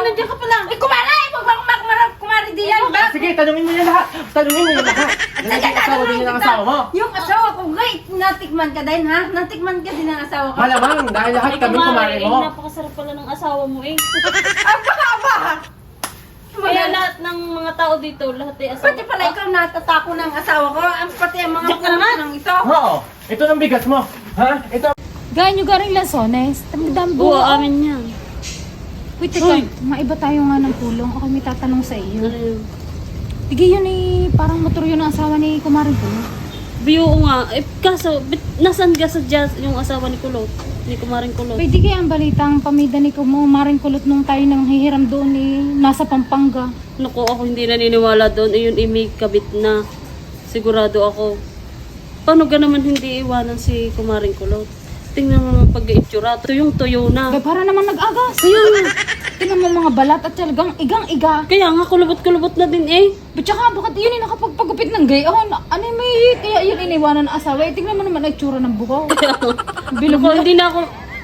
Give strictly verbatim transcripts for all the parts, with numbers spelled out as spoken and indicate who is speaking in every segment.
Speaker 1: nandiyan ka pala. Eh, kumara eh! Huwag bang makmarap kumari diyan ba?
Speaker 2: Sige, tanungin mo yan lahat. Tanungin mo yan lahat. Nalagay ang asawa din ng asawa mo.
Speaker 1: Yung asawa ko, wait, natikman ka din ha? Natikman ka din ng asawa ko.
Speaker 2: Malamang, dahil lahat
Speaker 3: Ay,
Speaker 2: kami kumari
Speaker 3: eh,
Speaker 2: mo.
Speaker 3: napakasarap pala ng asawa mo eh.
Speaker 1: Aba, aba!
Speaker 3: Kaya lahat ng mga tao dito, lahat ay asawa.
Speaker 1: Pati pala ikaw natatako ng asawa ko, ang pati ang mga
Speaker 3: Diyak ka naman.
Speaker 1: ng ito.
Speaker 2: Oo, ito ng bigas mo. Ha? Ito.
Speaker 4: Gaya nyo garing lasones. Tagdambo.
Speaker 3: Oo, amin yan.
Speaker 4: Wait, teka. Maiba tayo nga ng pulong. Ako may tatanong sa iyo.
Speaker 3: Ano yun?
Speaker 4: Tige yun eh, parang motor yun ang asawa ni Kumarin ko.
Speaker 3: Biyo nga. Eh, kaso, bit, nasaan ka sa jazz yung asawa ni Kulot? Ni Kumaring Kulot?
Speaker 4: Pwede kaya ang balitang pamida ni Kumarin Kulot nung tayo nang hihiram doon eh, nasa Pampanga.
Speaker 3: Naku, ako hindi naniniwala doon. Ayun, imi kabit na. Sigurado ako. Paano ka naman hindi iwanan si Kumaring Kulot? Tingnan mo naman pag-itsura. Tuyong tuyo na.
Speaker 4: Ba, para naman nag-agas.
Speaker 3: Kaya nga.
Speaker 4: Tingnan mo mga balat at talagang igang-iga.
Speaker 3: Kaya nga, kulubot-kulubot na din eh.
Speaker 4: But saka, bakit yun yung nakapagpagupit ng gayon? Ano yung may, kaya yun iniwanan ng asawa? Eh, tingnan mo naman ang itsura ng buko. Bilog
Speaker 3: Ako,
Speaker 4: na.
Speaker 3: hindi na ako...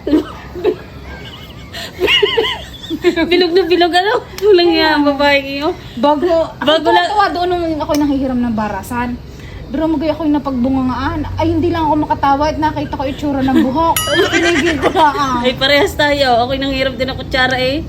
Speaker 3: bilog na bilog, ano? Walang nga, babae kayo.
Speaker 4: Bago,
Speaker 3: Bago
Speaker 4: ako
Speaker 3: lang-
Speaker 4: tuwa doon nung ako nanghihiram ng barasan. Pero magay ako yung napagbungangaan. Ay, hindi lang ako makatawa at nakita ko itsura ng buhok. Pinigil ko na ah.
Speaker 3: Ay, parehas tayo. Ako'y nanghirap din ng kutsara eh.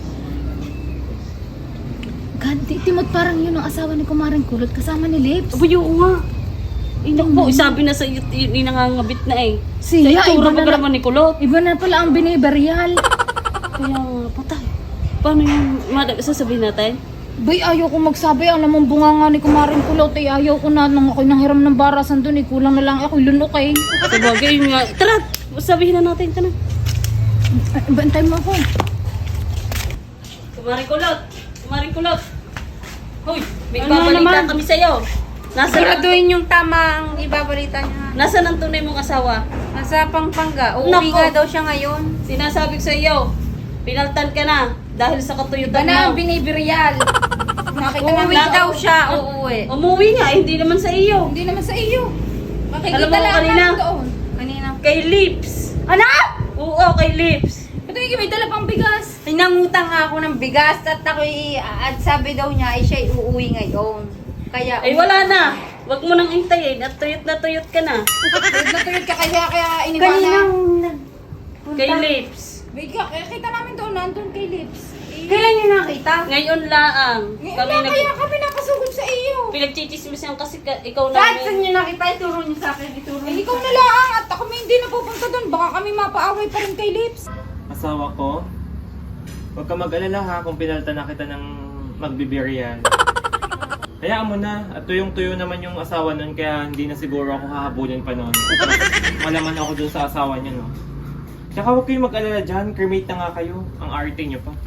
Speaker 4: God, di, timot parang yun ang asawa ni Kumaring Kulot kasama ni Lips.
Speaker 3: Aba, yung nga. Eh, naku, sabi na sa iyo, yun yung nangangabit na eh.
Speaker 4: Siya,
Speaker 3: Sa itsura
Speaker 4: iba
Speaker 3: pa
Speaker 4: na,
Speaker 3: ka
Speaker 4: na,
Speaker 3: naman ni Kulot.
Speaker 4: iba na pala ang biniberyal.
Speaker 3: Kaya nga, patay. Paano yung, madam, sasabihin natin?
Speaker 4: Bay, ayaw ko magsabi. Alam mong bunga nga ni Kumaring Kulot. Eh, ayaw ko na nang ako'y nanghiram ng barasan doon. Eh, kulang na lang ako'y lunok eh.
Speaker 3: Sa bagay, yun nga. Tara, sabihin na natin, tara.
Speaker 4: Ay, bantay mo ako.
Speaker 3: Kumaring Kulot! Kumaring Kulot! Hoy, may
Speaker 1: Ano
Speaker 3: babalita
Speaker 1: naman?
Speaker 3: kami sa'yo. Nasaan ang,
Speaker 1: Siguraduhin yung tamang ibabalita niya.
Speaker 3: nasaan ang tunay mong asawa?
Speaker 1: Nasa Pampanga. Uuwi
Speaker 3: Nako.
Speaker 1: nga daw siya ngayon.
Speaker 3: Sinasabi ko sa iyo, pinaltan ka na dahil sa
Speaker 1: Iba
Speaker 3: katuyutan
Speaker 1: na ang
Speaker 3: mo.
Speaker 1: binibiryal. Nakita
Speaker 3: Uuwi
Speaker 1: namin
Speaker 3: na.
Speaker 1: daw siya, uuwi.
Speaker 3: Umuwi nga, eh, hindi naman sa iyo.
Speaker 4: Hindi naman sa iyo.
Speaker 1: Makikita
Speaker 3: Alam mo
Speaker 1: lang
Speaker 3: kanina?
Speaker 1: namin doon. Kanina.
Speaker 3: Kay Lips.
Speaker 1: Ano?
Speaker 3: Oo, kay Lips.
Speaker 4: Ito yung may dala pang bigas.
Speaker 1: Ay, nangutang nga ako ng bigas at ako'y, at sabi daw niya ay siya'y uuwi ngayon. Kaya,
Speaker 3: Ay wala na. Huwag mo nang intayin at tuyot na tuyot ka na.
Speaker 4: Natuyot ka kaya kaya
Speaker 1: Kaninang
Speaker 4: iniwanan.
Speaker 1: nagpunta.
Speaker 3: Kay Lips.
Speaker 4: Wait ka, kaya kita namin doon, nandun kay Lips. Eh,
Speaker 1: Kailan niyo nakita?
Speaker 3: Ngayon laang.
Speaker 4: Ngayon
Speaker 3: Kami
Speaker 4: lang
Speaker 3: nag...
Speaker 4: kaya kami nakasugod sa iyo.
Speaker 3: Pinagchichismisan kasi ka, ikaw
Speaker 1: Kahit saan
Speaker 3: namin.
Speaker 1: niyo nakita, ituro niyo sa akin, ituro
Speaker 4: Eh,
Speaker 1: niyo.
Speaker 4: ikaw na lang at kami hindi napupunta doon. Baka kami mapaaway pa rin kay Lips.
Speaker 2: Asawa ko, huwag ka mag-alala ha kung pinalta na kita ng magbibirian. Hayaan mo na, at tuyong-tuyo naman yung asawa nun, kaya hindi na siguro ako hahabulin pa nun. Malaman ako dun sa asawa niya, no? Tsaka huwag kayong mag-alala dyan, cremate na nga kayo. Ang arte niyo pa.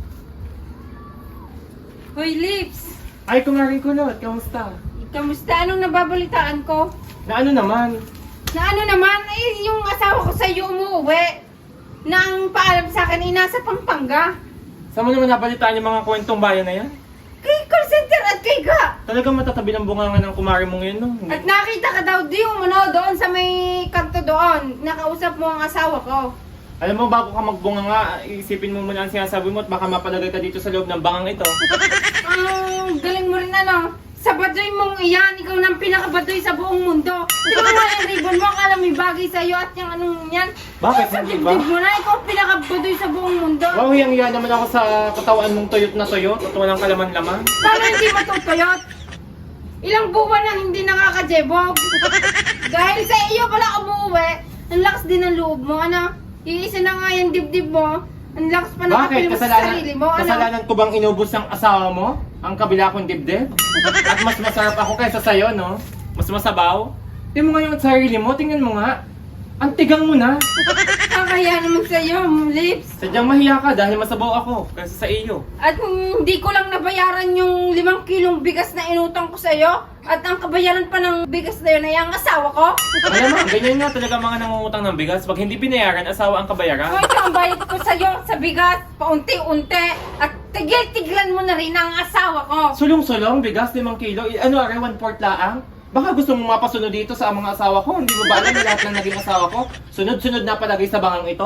Speaker 1: Hoy, Lips!
Speaker 2: Ay, kumaring kulot, kamusta?
Speaker 1: Kamusta? Anong nababalitaan ko?
Speaker 2: Na ano naman?
Speaker 1: Na ano naman, eh, yung asawa ko sa iyo umuwi. Nang paalam sa akin, eh, nasa Pampanga.
Speaker 2: Saan mo naman nabalitaan yung mga kwentong bayan na yan?
Speaker 1: Kay call center at kay Ga.
Speaker 2: Talagang matatabi ng bunganga ng kumari mong yun, no?
Speaker 1: At nakita ka daw di umano doon sa may kanto doon. Nakausap mo ang asawa ko.
Speaker 2: Alam mo, bago ka magbunga nga, isipin mo muna ang sinasabi mo at baka mapalagay ka dito sa loob ng bangang ito.
Speaker 1: Ang galing mo rin ano. Sa baduy mong iyan, ikaw nang pinakabaduy sa buong mundo. Di ba nga yung ribbon mo, akala may bagay sa'yo at yung anong yan.
Speaker 2: Bakit?
Speaker 1: Sa
Speaker 2: Hindi ba?
Speaker 1: dibdib mo na, ikaw pinakabaduy sa buong mundo.
Speaker 2: Wow, hiyang-hiya naman ako sa katawan mong tuyot na tuyot at walang kalaman-laman.
Speaker 1: Paano hindi matutuyot? Ilang buwan nang hindi nakakajebog. Dahil sa iyo pala umuwi, ang lakas din ng loob mo, ano? Iisa na nga yung dibdib mo. Ang lakas pa
Speaker 2: Bakit?
Speaker 1: nakapil mo sa
Speaker 2: Kasalanan,
Speaker 1: sarili mo, ano?
Speaker 2: kasalanan ko bang inubos ang asawa mo? Ang kabila kong dibdib? At mas masarap ako kaysa sa'yo, no? Mas masabaw? Tingnan mo nga yung sarili mo, tingnan mo nga. Ang tigang mo na.
Speaker 1: Kakaya naman sa iyo, Lips.
Speaker 2: Sadyang mahiya ka dahil masabaw ako kaysa sa iyo.
Speaker 1: At kung hindi ko lang nabayaran yung limang kilong bigas na inutang ko sa iyo, at ang kabayaran pa ng bigas na yun ay ang asawa ko.
Speaker 2: Alam mo, ganyan nga talaga mga nangungutang ng bigas. Pag hindi binayaran, asawa ang kabayaran.
Speaker 1: Kung ito ang bayad ko sa iyo sa bigas, paunti-unti, at tigil-tiglan mo na rin ang asawa ko.
Speaker 2: Sulong-sulong, bigas, limang kilo. I- Ano, are, one fourth laang? Baka gusto mong mapasunod dito sa mga asawa ko. Hindi mo ba alam na lahat ng naging asawa ko? Sunod-sunod na palagay sa bangang ito?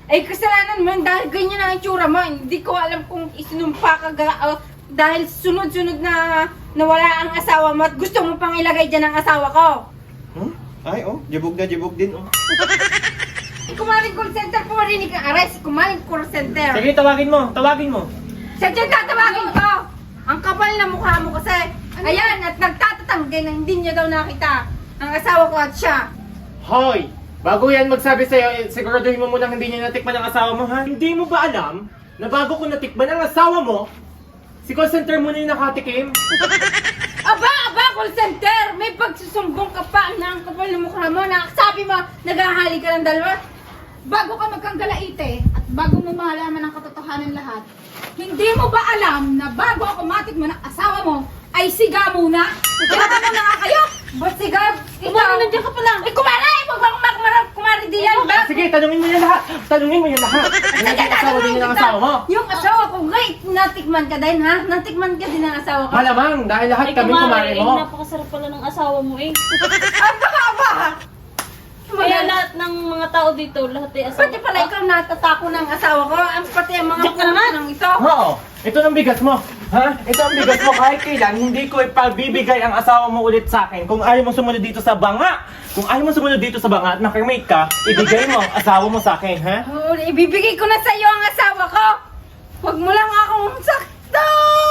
Speaker 1: Ay, kasalanan mo yun dahil ganyan ang itsura mo. Hindi ko alam kung isinumpa ka ga- uh, dahil sunod-sunod na nawala ang asawa mo at gusto mo pang ilagay dyan ang asawa ko.
Speaker 2: Hmm? Ay, oh, jibog na jibog din, oh.
Speaker 1: Si Kumaring call center, pumarinig ang aray. Si Kumaring call center.
Speaker 2: Sige, tawagin mo, tawagin mo.
Speaker 1: Siya dyan tatawagin ko. Ang kapal na mukha mo kasi. Ayan, at nagtatatanggi na hindi niya daw nakita ang asawa ko at siya.
Speaker 2: Hoy! Bago yan magsabi sa'yo, eh, siguraduhin mo muna hindi niya natikman ang asawa mo, ha? Hindi mo ba alam na bago ko natikman ang asawa mo, si call center muna yung nakatikim?
Speaker 1: Aba, aba, call center! May pagsusumbong ka pa na ang kapal na mukha mo na sabi mo, naghahali ka ng dalawa.
Speaker 4: Bago ka magkanggalaite at bago mo malaman ang katotohanan lahat, hindi mo ba alam na bago ako matikman ng asawa mo, ay siga muna? Kaya ka muna nga kayo!
Speaker 1: Ba't sigab?
Speaker 3: Kumari, nandiyan ka pala.
Speaker 1: Eh, kumara! Eh, huwag bang kumarap, kumari di yan, ba?
Speaker 2: Sige, tanungin mo yan lahat! Tanungin mo yan lahat! Ano yung asawa din ng asawa mo?
Speaker 1: Yung asawa ko, great! Natikman ka din, ha? Natikman ka din ng asawa ko.
Speaker 2: Malamang, dahil lahat
Speaker 3: Ay,
Speaker 2: kami kumari
Speaker 3: eh,
Speaker 2: mo.
Speaker 3: napakasarap pala ng asawa mo eh.
Speaker 1: Aba, aba!
Speaker 3: Kaya lahat ng mga tao dito, lahat ay asawa.
Speaker 1: Pati pala ikaw natatako ng asawa ko, ang pati ang mga
Speaker 3: Diyan ka naman.
Speaker 1: ng ito.
Speaker 2: Oo, ito ang bigas mo. Ha? Ito ang bigas mo kahit kailan, hindi ko ipabibigay ang asawa mo ulit sa akin. Kung ayaw mo sumunod dito sa banga, kung ayaw mo sumunod dito sa banga at nakimake ka, ibigay mo ang asawa mo sa akin, ha?
Speaker 1: Oh, ibibigay ko na sa iyo ang asawa ko. Huwag mo lang akong sakto.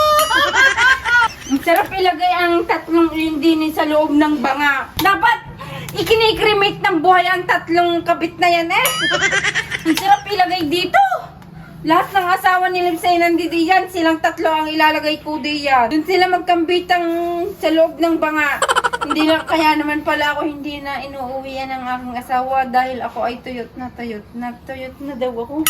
Speaker 1: Ang sarap ilagay ang tatlong lindinin sa loob ng banga. Dapat ikinikremate ng buhay ang tatlong kabit na yan eh. Ang sarap ilagay dito. Lahat ng asawa ni Limsay nandito yan. Silang tatlo ang ilalagay ko diyan. Doon sila magkambitang sa loob ng banga. Hindi na, kaya naman pala ako hindi na inuuwian ng aking asawa dahil ako ay tuyot na tuyot na tuyot na daw ako.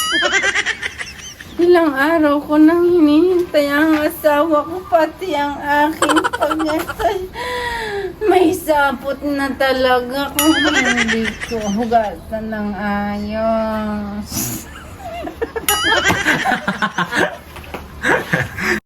Speaker 1: Ilang araw ko nang hinihintay ang asawa ko, pati ang aking pag-asay. May sapot na talaga kung hindi ko hugatan ng ayos.